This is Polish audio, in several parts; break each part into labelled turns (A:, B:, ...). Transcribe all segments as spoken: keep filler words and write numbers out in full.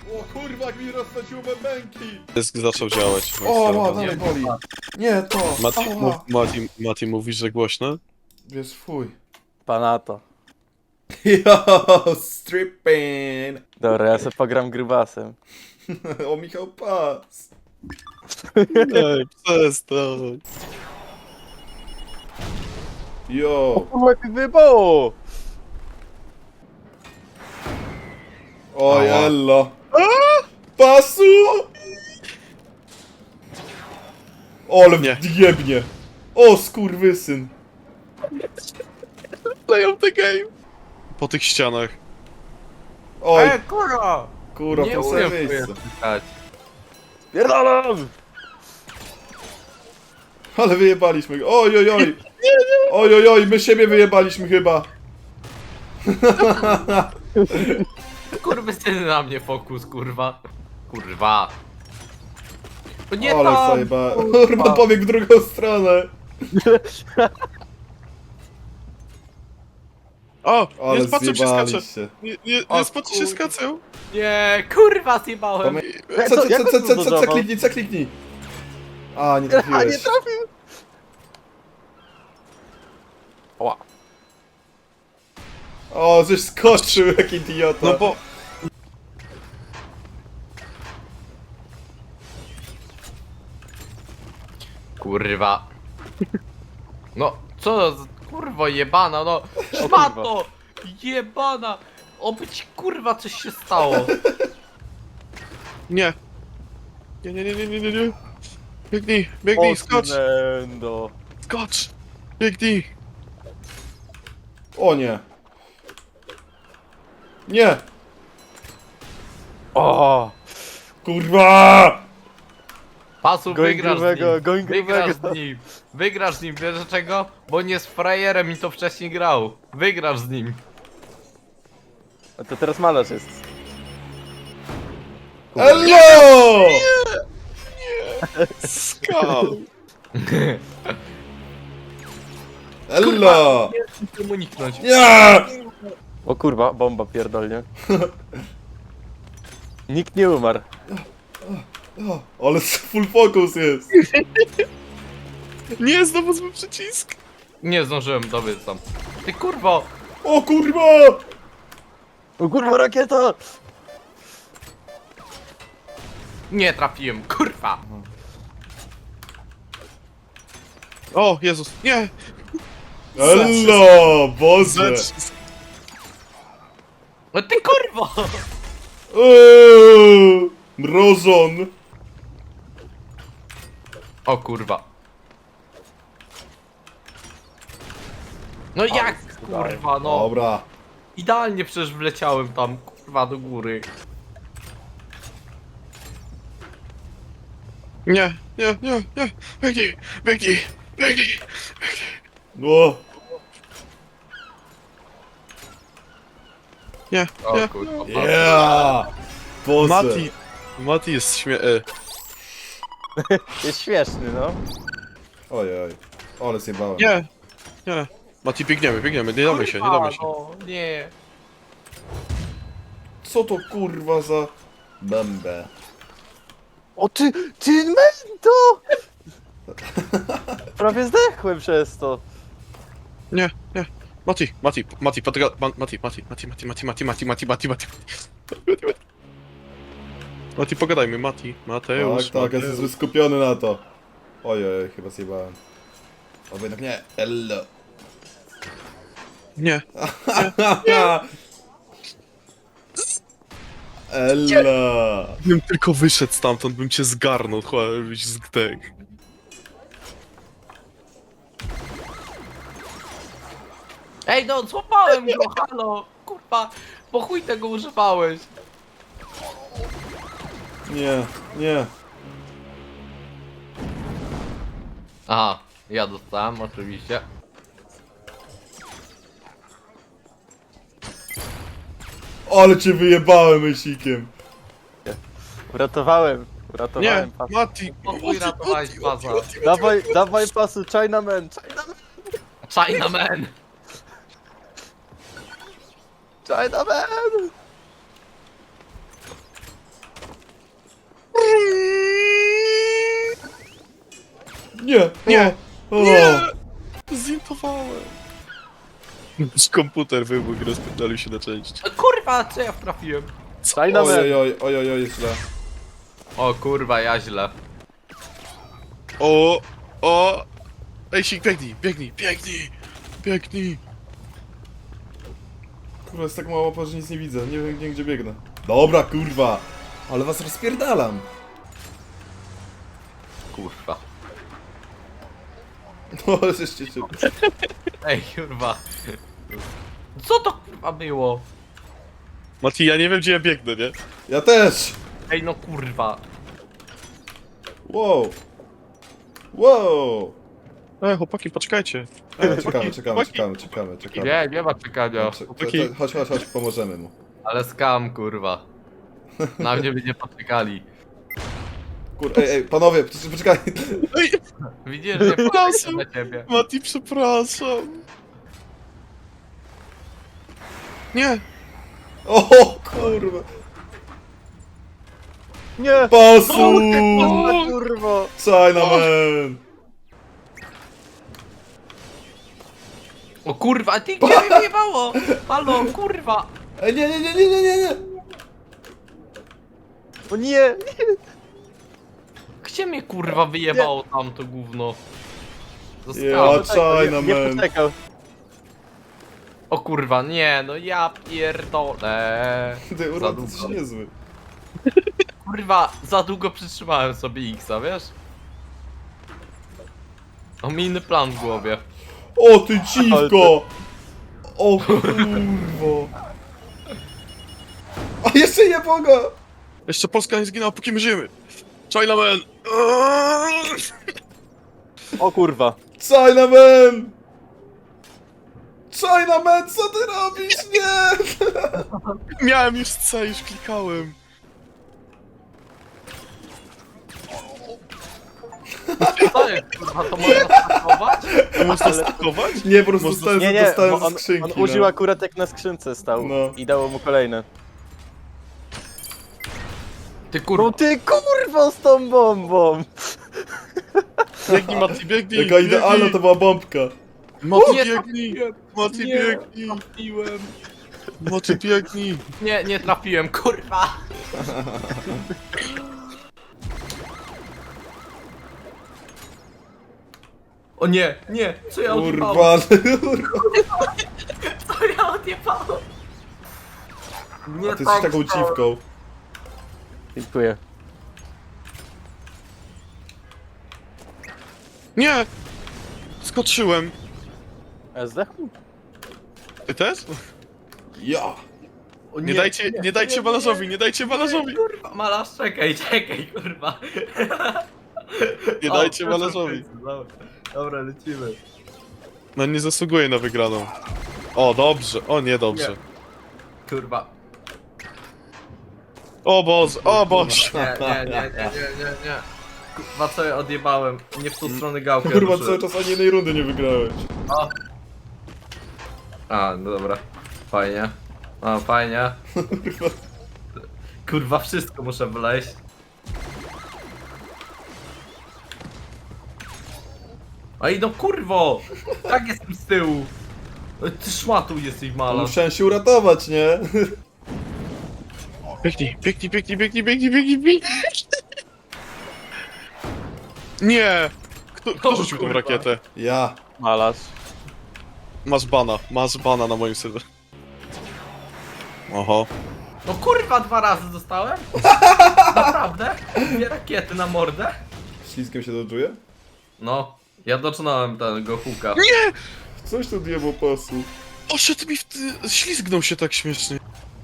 A: O kurwa, jak mi rozsadziło bębenki!
B: Dysk zaczął działać.
A: O, ma, dalej boli. Nie, to.
B: Mati,
A: Ała.
B: mów, Mati, Mati, mówisz, że głośno?
A: Wiesz, fuj.
C: Panato.
A: Yo, stripping!
C: Dobra, ja sobie pogram grubasem.
A: O, Michał Pas.
B: Nie, przestań.
A: Yo.
C: Kurwa, jak mi wyjebało!
A: O,
B: Ała.
A: jello. Pasu! Ole
B: Nie.
A: jebnie. O, skurwysyn.
B: Leją the game. Po tych ścianach.
A: Oj,
D: E, kurwa!
A: kurwa,
D: Nie
A: w to samym
D: umiem
A: miejscu.
D: wpychać.
C: Pierdalam!
A: Ale wyjebaliśmy go. Oj, oj, oj. Oj, oj, oj, my siebie wyjebaliśmy chyba.
D: Kurwy syny na mnie fokus, kurwa. Kurwa. To nie
A: Ale
D: tam!
A: zajeba. Kurwa, pobiegł w drugą stronę.
B: O,
A: Ale
B: nie spatrzę się skacze.
A: zjebaliście.
B: Nie, nie,
D: O,
B: nie spatrzę się
D: kurwa.
B: skacę.
D: Nie, kurwa zjebałem!
A: Pamię- Co, co,
C: Jak
A: co, co,
C: on
A: co, co, co,
C: zbudował?
A: kliknij, co, kliknij. A, nie
C: A nie
A: trafiłeś.
C: trafił!
D: Oła.
A: O, żeś skoczył, jak idiota.
B: No bo...
D: Kurwa. No, co za kurwa jebana, no. Szmato! Jebana! Oby ci kurwa coś się stało.
B: Nie. Nie, nie, nie, nie, nie, nie, nie. Biegnij, biegnij, skocz,
C: Nendo.
B: skocz. Biegnij.
A: O nie. Nie.
C: O!
A: Kurwa!
D: Pasu,
C: Goń
D: wygrasz z
C: grubego,
D: nim.
C: goń
D: Wygrasz
C: grubego.
D: z nim. Wygrasz z nim, wiesz dlaczego? Bo nie jest frajerem i to wcześniej grał. Wygrasz z nim.
C: A to teraz malarz jest.
A: Hello!
B: Skał.
A: Hello!
D: Nie chcę mu uniknąć.
A: Nie!
C: O kurwa, bomba pierdolnie. Nikt nie umarł.
A: O, ale full focus jest.
B: Nie, znowu zły przycisk.
D: Nie zdążyłem dobiec tam. Ty kurwo!
A: O kurwa!
C: O kurwa, rakieta!
D: Nie trafiłem, kurwa!
B: O, Jezus, nie.
A: Hello! Boże!
B: Zacisk.
D: No ty kurwo!
A: Eee, Mrozon!
D: O kurwa. No jak kurwa, no.
A: Dobra.
D: Idealnie przecież wleciałem tam, kurwa, do góry.
B: Nie, nie, nie, nie. Biegnij, biegnij, biegnij.
A: No.
B: Nie,
D: O
B: nie.
D: kurwa.
A: Yeah! Boże.
B: Mati, Mati jest śmie... e,
C: Jest śmieszny, no.
A: Ojej. Ale zjebałem.
B: Nie, nie. Mati, biegniemy, biegniemy, nie damy się, nie damy się.
D: No, nie.
A: Co to kurwa za... Bębę.
C: O ty, ty mento! Prawie zdechłem przez to.
B: Nie, nie. Mati, Mati, Mati, potyga... Ma- Mati, Mati, Mati, Mati, Mati, Mati, Mati, Mati, Mati, Mati, Mati. Mati, pogadajmy, Mati, Mateusz,
A: Tak, tak, ja
B: Mateusz.
A: jestem skupiony na to. Ojej, chyba zjebałem. O, jednak nie. Hello.
B: Nie,
A: Ella.
B: bym tylko wyszedł stamtąd, bym cię zgarnął, chyba byś zdechł.
D: Ej no, złapałem go, halo! Kurwa, po chuj tego używałeś.
A: Nie, nie.
D: Aha, ja dostałem oczywiście.
A: Ale cię wyjebałem myślikiem.
C: Uratowałem,
B: Nie,
C: uratowałem pas.
B: Mati,
D: Po chuj ratowałeś baza.
C: Dawaj, dawaj pasu, Chinaman, Chinaman,
D: Chinaman!
C: Chinaman!
A: Nie!
B: Nie.
A: O, o.
B: Nie! Zintowałem. Z komputer wybuchł i rozpierdolił się na części.
D: Kurwa, co ja trafiłem?
C: China Man.
A: Oj, oj, oj, oj, oj, źle.
D: O kurwa, ja źle.
B: O! O! Ej, sik, biegnij, biegnij, biegnij! Biegnij!
A: Kurwa, jest tak mało, że nic nie widzę. Nie wiem, nie, gdzie biegnę. Dobra, kurwa. Ale was rozpierdalam.
D: Kurwa.
A: No, ale żeście się...
D: Ej, kurwa. Co to kurwa było?
B: Mati, ja nie wiem, gdzie ja biegnę, nie?
A: Ja też!
D: Ej, no kurwa.
A: Wow. Wow.
B: Ej, chłopaki, poczekajcie.
A: E, czekamy, czekamy,
B: chłopaki.
A: czekamy, czekamy, czekamy.
D: Nie, nie ma czekania.
A: Cze-
B: Chłopaki.
A: cze- Chodź, chodź, chodź, pomożemy mu.
D: Ale skam, kurwa. Na mnie by nie poczekali.
A: Kur... Ej, ej, panowie, poczekaj, poczekaj.
B: Ej,
D: Widzisz, że nie poczekam na ciebie.
B: Mati, przepraszam. Nie!
A: O, kurwa.
C: Nie!
A: Pasu!
C: O, kurwa!
A: Chinaman!
D: O kurwa, ty gdzie mnie wyjebało? Halo, kurwa.
A: Ej, nie, nie, nie, nie, nie, nie, nie.
C: O nie!
D: Gdzie mnie kurwa wyjebało tam to gówno?
A: Ja,
D: Zostało.
C: Nie, nie
A: Chinaman.
C: poczekał.
D: O kurwa, nie, no ja pierdolę.
A: Ty,
D: Za
A: urwa, ty
D: długo.
A: jesteś niezły.
D: Kurwa, za długo przytrzymałem sobie X-a, wiesz? Mam inny plan w głowie.
A: O, ty dziwko! O, kurwa. A jeszcze nie boga!
B: Jeszcze Polska nie zginęła, póki my żyjemy. Chinaman!
C: O kurwa.
A: Chinaman! Chinaman, co ty robisz? Nie!
B: Miałem już C, już klikałem.
D: Co jest kurwa, to można spakować?
B: Można stakować?
A: Nie, po prostu
B: Można-
A: dostałem,
C: Nie, nie,
A: dostałem
C: bo
A: ze
C: on,
A: skrzynki.
C: on użył
A: no.
C: akurat jak na skrzynce stał
A: No.
C: i dało mu kolejne.
D: Ty
C: No
D: kurwa.
C: ty kurwa z tą bombą!
B: Biegnij, Mati, biegnij!
A: Jaka idealna to była bombka.
B: Mati,
D: Nie,
B: biegnij! Mati,
D: Nie.
B: biegnij!
D: Trafiłem.
B: Mati, biegnij!
D: Nie, nie trafiłem, kurwa. O nie, nie, co ja odjebałem?
A: Urban.
D: Co ja odjebałem? Nie
A: A ty jesteś
D: tak
A: taką
D: chciałem.
A: dziwką.
C: Dziękuję.
B: Nie! Skoczyłem.
C: A zdechł?
B: Ty też?
A: Ja.
D: O
B: Nie dajcie, nie dajcie malarzowi, nie dajcie malarzowi!
D: Kurwa, malarz, czekaj, czekaj, kurwa.
B: Nie
D: O,
B: dajcie
D: proszę,
B: malarzowi.
D: Dobra, dobra, lecimy.
B: No nie zasługuje na wygraną. O, dobrze, o nie dobrze.
D: Kurwa.
B: O Boże, o Boże!
D: Nie, nie, nie, nie, nie, nie, nie. Kurwa, co ja odjebałem? Nie w tą stronę gałkę
A: Kurwa,
D: ruszyłem.
A: cały czas ani jednej rundy nie wygrałeś.
D: O. A, no dobra. Fajnie. O, fajnie.
A: Kurwa.
D: Kurwa, wszystko muszę wleźć. Ej, no kurwo! Tak jestem z tyłu! Ej, ty szmatu jesteś malarz.
A: Musiałem się uratować, nie?
B: Biegnij, biegnij, biegnij, biegnij, biegnij, biegnij, biegnij! Nie! Kto, kto
D: O,
B: rzucił tą
D: kurwa.
B: rakietę?
A: Ja.
C: Malarz.
B: Masz bana, masz bana na moim serwerze. Oho.
D: No kurwa, dwa razy dostałem? Naprawdę? Dwie rakiety na mordę?
A: Śliskiem się dodżuje?
D: No, ja doczynałem tego huka.
B: Nie!
A: Coś tu diabło pasu.
B: Oszedł mi w ty... ślizgnął się tak śmiesznie.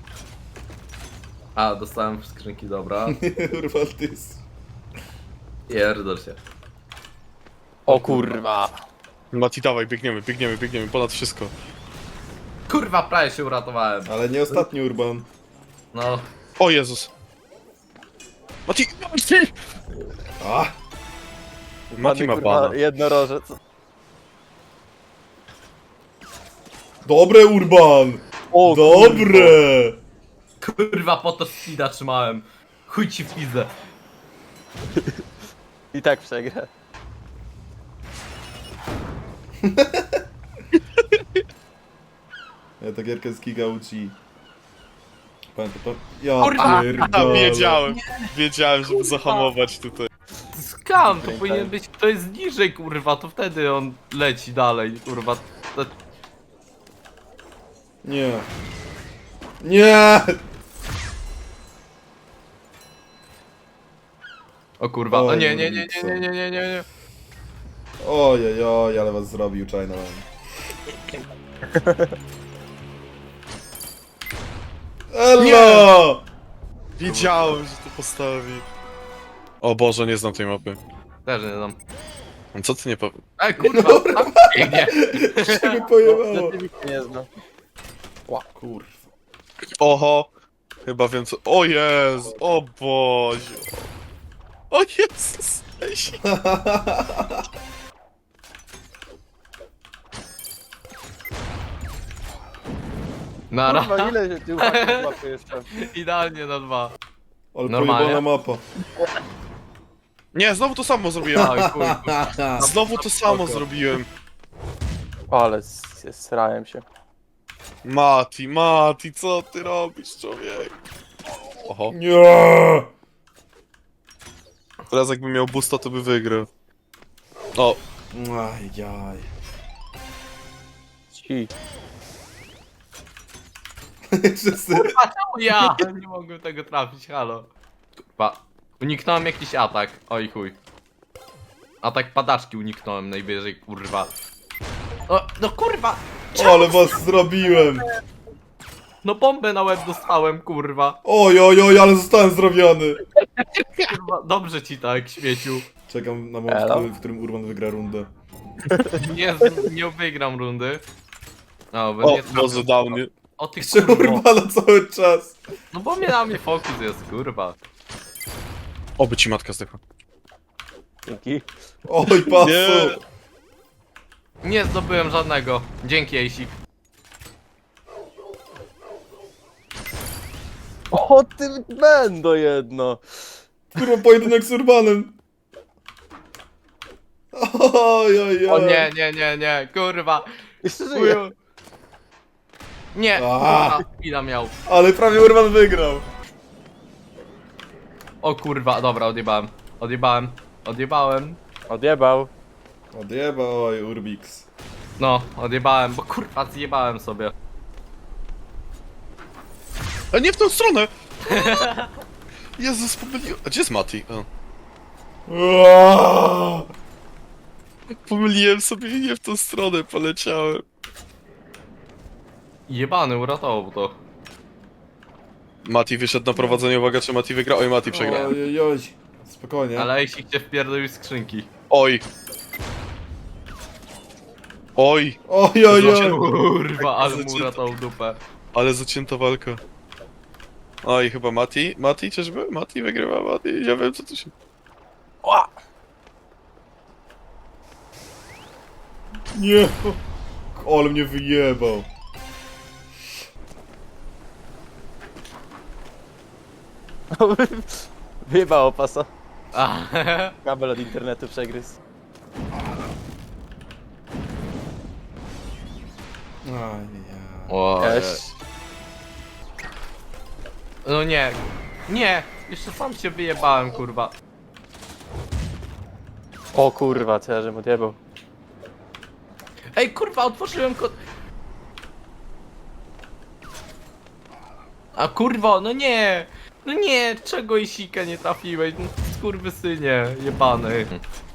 D: A, dostałem w skrzynki, dobra.
A: Kurwa, ty jest...
D: Pierdol się.
C: O kurwa.
B: Mati, dawaj, biegniemy, biegniemy, biegniemy, ponad wszystko.
D: Kurwa, prawie się uratowałem.
A: Ale nie ostatni Urban.
D: No,
B: O Jezus. Mati!
A: A!
B: Mati ma
C: kurwa,
B: bana.
C: jednorożec.
A: Dobre, Urban!
C: O
A: Dobre!
D: kurwa, po to speeda trzymałem. Chuj ci w pizdę.
C: I tak przegra.
A: Ja ta gierka z Giga uczy. Pamiętam to? Ja
D: Kurwa!
B: A,
A: pierdolę.
B: wiedziałem, wiedziałem, żeby zahamować tutaj.
D: Skam, to powinien być, to jest niżej, kurwa, to wtedy on leci dalej, kurwa. To...
A: Nie. Nie!
D: O kurwa, o
A: Oj,
D: nie, nie, nie, nie,
A: Urbixa.
D: nie, nie, nie, nie, nie.
A: Ojej, oj, ale was zrobił Chinaman. Elo!
B: Wiedziałem, że to postawi. O Boże, nie znam tej mapy.
D: Też nie znam.
B: Co ty nie powiesz?
D: Ej, kurwa, tam biegnie.
A: Się mi pojebało.
C: Rzeczywiście nie znam.
A: Kurwa.
B: Oho! Chyba wiem co... O Jezu! O Boże! O Jezus! Ej,
D: Nara.
C: Kurwa, ile się ty uwagi łapie jeszcze?
D: Idealnie na dwa.
A: Ale
D: Normalnie.
A: pojebana mapa.
B: Nie, znowu to samo zrobiłem.
D: Oj, kurwa.
B: Znowu to samo
D: Spoko.
B: zrobiłem.
C: Ale s- srałem się.
B: Mati, Mati, co ty robisz, człowiek? Oho.
A: Nie!
B: Teraz jakby miał boosta, to by wygrał. O,
A: Ajaj.
C: Ci.
A: Wszyscy...
D: Kurwa, czemu ja? Nie mogłem tego trafić, halo. Kurwa. Uniknąłem jakiś atak. Oj chuj. Atak padaczki uniknąłem najwyżej, kurwa. O, no kurwa!
A: Ale was zrobiłem.
D: No bombę na łeb dostałem, kurwa.
A: Oj, oj, oj, ale zostałem zrobiony.
D: Kurwa, dobrze ci tak, śmieciu.
A: Czekam na moment, w
C: Elo?
A: którym, w którym Urban wygra rundę.
D: Nie, nie wygram rundy. O, bo
B: o,
D: nie trafię.
B: Boże, dał mnie.
D: O ty
A: Jeszcze
D: kurwa.
A: Urbana cały czas.
D: No bo mnie na mnie fokus jest, kurwa.
B: Oby ci matka zdechła.
C: Dzięki.
A: Oj, pasu.
B: Nie.
D: Nie zdobyłem żadnego. Dzięki, Ejsik.
C: O ty będą jedno.
A: Kurwa, pojedynek z Urbanem. Oj, oj, oj.
D: O nie, nie, nie, nie, kurwa.
C: Jeszcze żyję.
D: Chuju. Nie,
A: A.
D: kurwa, chwila miał.
A: Ale prawie Urban wygrał.
D: O kurwa, dobra, odjebałem. Odjebałem. Odjebałem.
C: Odjebał.
A: Odjeba, oj, Urbix.
D: No, odjebałem, bo kurwa zjebałem sobie.
B: A nie w tą stronę! Jezus, pomyliłem. A gdzie jest Mati? O.
A: Aaaa!
B: Pomyliłem sobie i nie w tą stronę poleciałem.
D: Jebany, uratował to.
B: Mati wyszedł na prowadzenie, uwaga, czy Mati wygra? Oj, Mati przegrał.
A: Oj, oj, oj. Spokojnie.
D: Ale Ejsik cię wpierdolił z skrzynki.
B: Oj. Oj,
A: Oj, oj, oj.
D: Kurwa, ale mu
B: Zacięto.
D: uratował dupę.
B: ale zacięta walka. Oj, chyba Mati? Mati, czyżby? Mati wygrywa, Mati, nie wiem co tu się...
C: Ła!
A: Nie. Ale mnie wyjebał.
C: Wyjebało pasa.
D: A,
C: Kabel od internetu przegryzł.
A: Ajaj.
D: o,
C: Cześć.
D: no nie. Nie, jeszcze sam się wyjebałem, kurwa.
C: O kurwa, co ja żem odjebał.
D: Ej, kurwa, otworzyłem kod... A kurwa, no nie! No nie, czego Isika nie trafiłeś? No, skurwysynie, jebany.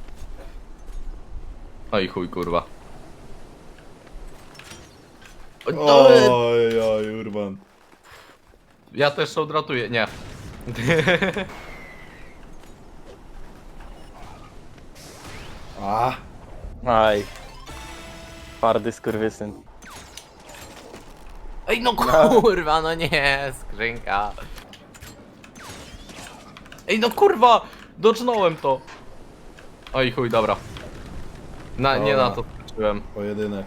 D: Oj chuj, kurwa. O, no,
A: Oj, oj, Urban.
D: ja też odratuję, nie.
A: A.
C: Aj. Twardy skurwysyn.
D: Ej, no kurwa, no nie, skrzynka. Ej, no kurwa, docznąłem to. Oj chuj, dobra. Na, nie na to skoczyłem.
A: Pojedynek.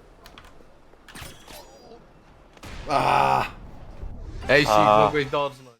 A: A.
D: Ej, sik,
C: A.
D: mogłeś docznąć.